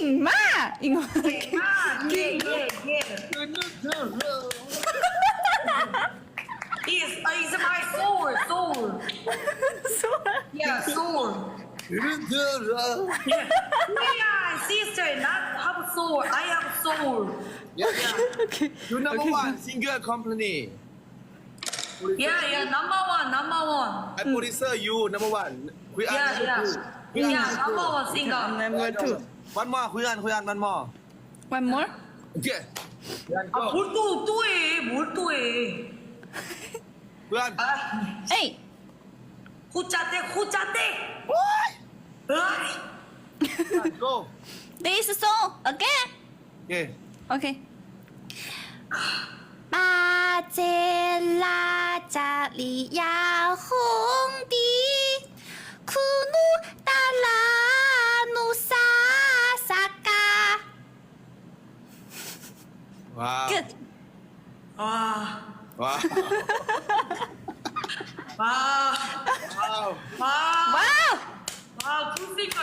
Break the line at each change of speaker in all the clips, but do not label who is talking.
มากอิงวา
เก่งมากเย่เย่เย่ is my soul yeah soul yeah we are sister not have soul I have soul
You number one singer company.
yeah number one
I producer you number one. Kuyan
yeah number one singer
number two
One more Kuyan one more.
one more
Okay. Kuyan
아,
go.
뭘 또 해.
Kuyan.
아,
เอ้ย
호짜대. 으이.
Go.
this song again
Okay.
okay 巴杰拉加里亚红迪库努达拉努萨萨嘎
Wow.
good
와,
Wow.
와,
Wow.
와,
wow
와, 굿싱글.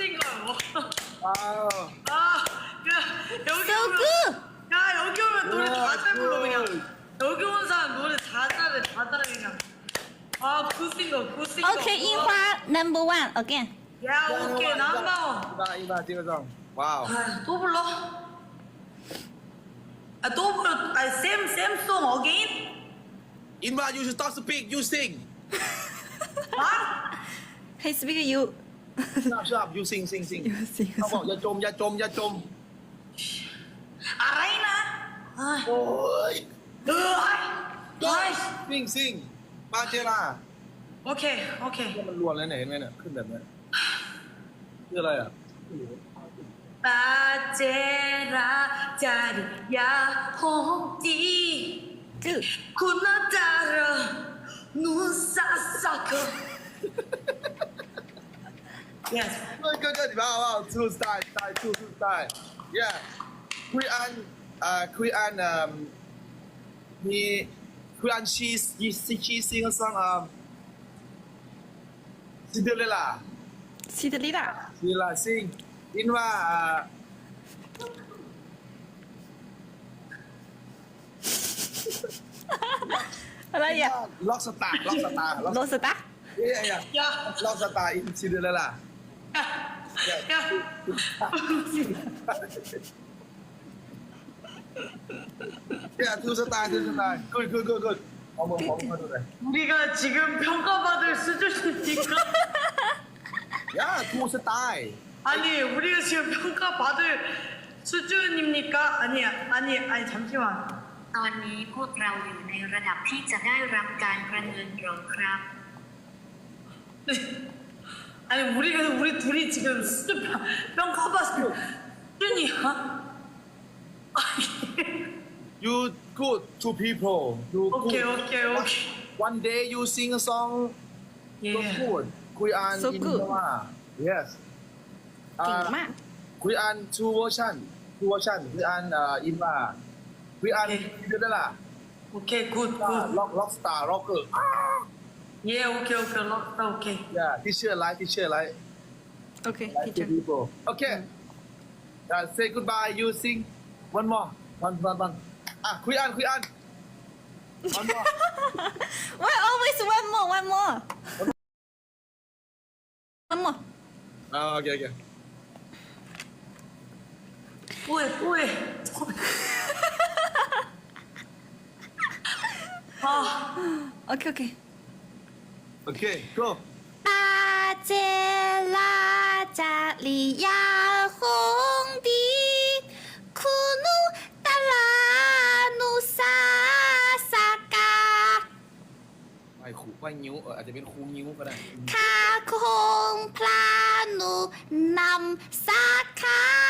Wow.
아, 야, 여기
so
오면,
good
야, 여기 오면 노래 다 잘 불러 그냥.
Good.
여기 온 사람 노래 다 잘해 그냥. 아, 굿싱글.
okay 樱花 number one again
야, 오케이, 남다운.
이봐 지금. Wow.
아, 또 불러? 아, 또 불러. 아, 쌤송 어게인?
Inva, you should stop speak. You sing.
아?
hey speaker you
Stop. You sing.
you sing
เขาบอกอย่าจม
알아이나? 아,
โอ้ย
으이.
sing มาเจล่า
오케이.
มันรวนแล้วเนี่ยเห็นไหมเนี่ยขึ้นแบบนี้คืออะไรอ่ะ
빠제라 자리야 홍띠
good
구나따라 눈사사커 Yes.
Good. Wow. Two style. Yeah. คุยอันมีคุยอันชีซิงซังซินเดอเรลล่า
ซิเดอเรลล่า
ซินเดอเรลล่าซิงอินว่า
อะไรอ่ะ
ล็อกสตาร์
โรสตา
ล็อกสตาร์อินซินเดอเรลล่า
야.
Yeah, two star. Good. 어머 ดูเลย
우리가 지금 평가받을 수준입니까?
Yeah, two star.
아니, 우리가 지금 평가받을 수준입니까? 아니, 잠시만.
ตอนนี้พวกเราอยู่ในระดับที่จะได้รับการประเมินหรอครับ
아니, 우리 둘이 지금 수준 평가받을 수준이야? 아니.
You good to people. You
오케이.
good. One day you sing a song. So
예.
good. คุยอัน
So
อิน
good
ว่า Yes.
เก่งมาก
คุยอัน two version. คุยอันอินว่าคุยอันซินเดอเรลล่า
오케이, 굿.
ล็อกสตาร์ล็อกเกอร์
예, 오케이. 럭다, 오케이.
Yeah, teacher like
okay
like
teacher
to people. Okay. Say goodbye. You sing one more. One. คุยอัน One more.
why always one more one more
Okay.
또 해. 아,
okay
Okay, go.
巴杰拉加里亚红迪库努达拉努萨萨嘎
ไปนิ้วอาจจะเป็นครูนิ้วก็ได้
คาคงพลานุนำสาขา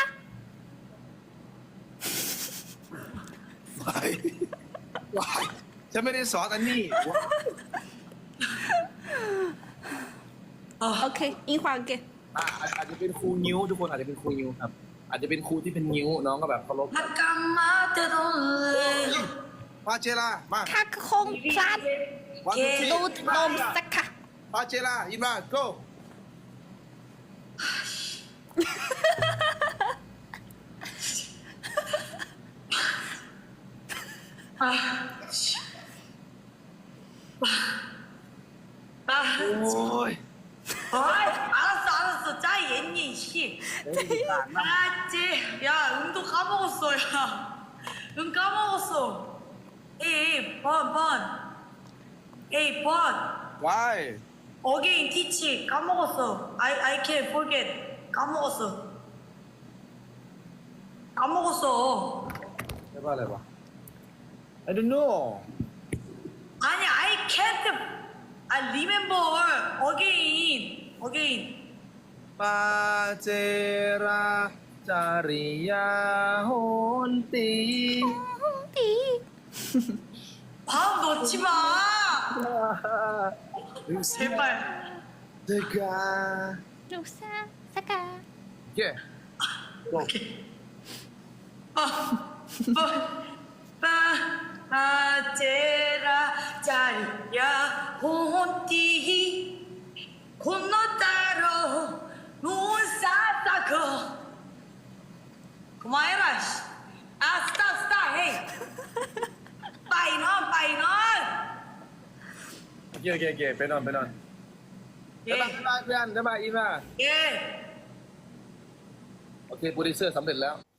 วายฉันไม่ได้สอนอันนี้
โอเคอิงควาเก
อาจจะเป็นครูนิ้วทุกคนอาจจะเป็นครูนิ้วครับ อาจจะเป็นครูที่เป็นนิ้วน้องก็แบบเคารพ
잠깐만 때도래
มาเจล่ามา
คาคงพลา
วันที่
นูนมสาขา
มาเจล่ายินมา go
있니 이씨
เดี๋ยวมีต่างนะ
알았지 야 응도 까먹었어 야응 까먹었어 에이 번 에이 번
why
어게인 티치 까먹었어 I can't forget 까먹었어
เรียกว่าอะไรวะ I don't know
아니 I can't I remember again
ปาเจราจาริยาโหนตี
띠.
밥 넣지 마 제발
เดกา
루사 사가.
เย้จบ
바제라 자리야 혼띠 건너따로 눈사다거 그만해라 아 스탑 헤이 빠이넌
โอเคโอเคโอเคไปนอนไปนอนบ๊ายบาย
예
บ๊ายบายเพื่อนบ๊ายบายอีมา
예.
โอเคโปรดิวเซอร์สำเร็จแล้ว